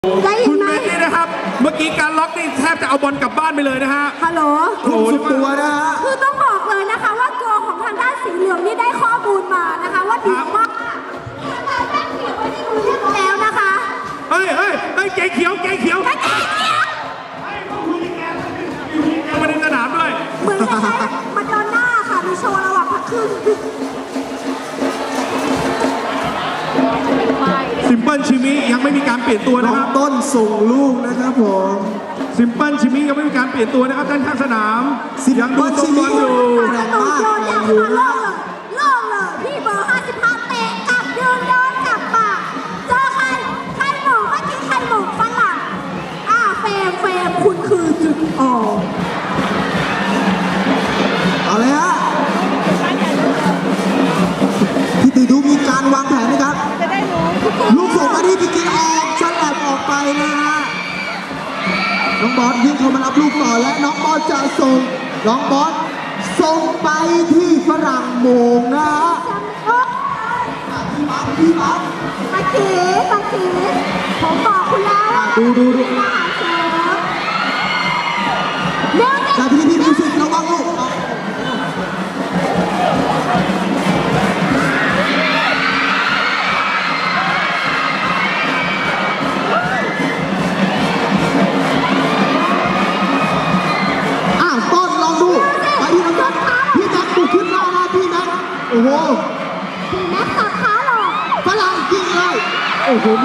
คุณเบนนี่นะครับเมื่อกี้การล็อกนี่แทบจะเอาบอลกลับบ้านไปเลยนะฮะฮัลโหลโอ้โหสุดตัวนะฮะคือต้องบอกเลยนะคะว่าตัวของทางด้านสีเหลืองนี่ได้ข้อมูลมานะคะว่าดีมากแล้วนะคะเฮ้ยเก๋เขียวเก๋เขียวมาในสนามด้วยเหมือนจะใช้มาดอนน่าค่ะมีโชว์ระหว่างพักครึ่งซิมเปิลชิมิยังไม่มีการเปลี่ยนตัวน้นะองครับต้นส่งลูกนะครับผมซิมเปิลชิมิยังไม่มีการเปลี่ยนตัวนะครับด้านข้างสนาม Simple ยังดูทรงบอลอยู่แรงมากโยนอย่างมาโล่งเลยพี่เบอร์55เตะกลับยืนโดนกลับปากเจอใครหมูเมื่อกี้ใครหมูฝรั่งเฟรมคุณคือจุดอ่อนเอาเลยฮะพี่ตีดูมีการวางแผนนะครับ ลูกส่งมาที่พี่กินออกฉลับออกไปนะฮะน้องบอสวิ่งเข้ามารับลูกต่อและน้องบอสจะส่งน้องบอสส่งไปที่ฝรั่งโมงนะฮะพี่ปั๊บตะกี้ผมบอกคุณแล้วว่าดูมาหาเสือเดี๋ยวจากพี่มิวสิกระวังลูกต้นลองดูไปที่น้องแม็กพี่แม็กบุกขึ้นมานะพี่แม็กโอ้โหแม็กตัดขาหรอฝรั่งยิงเลยโอ้โห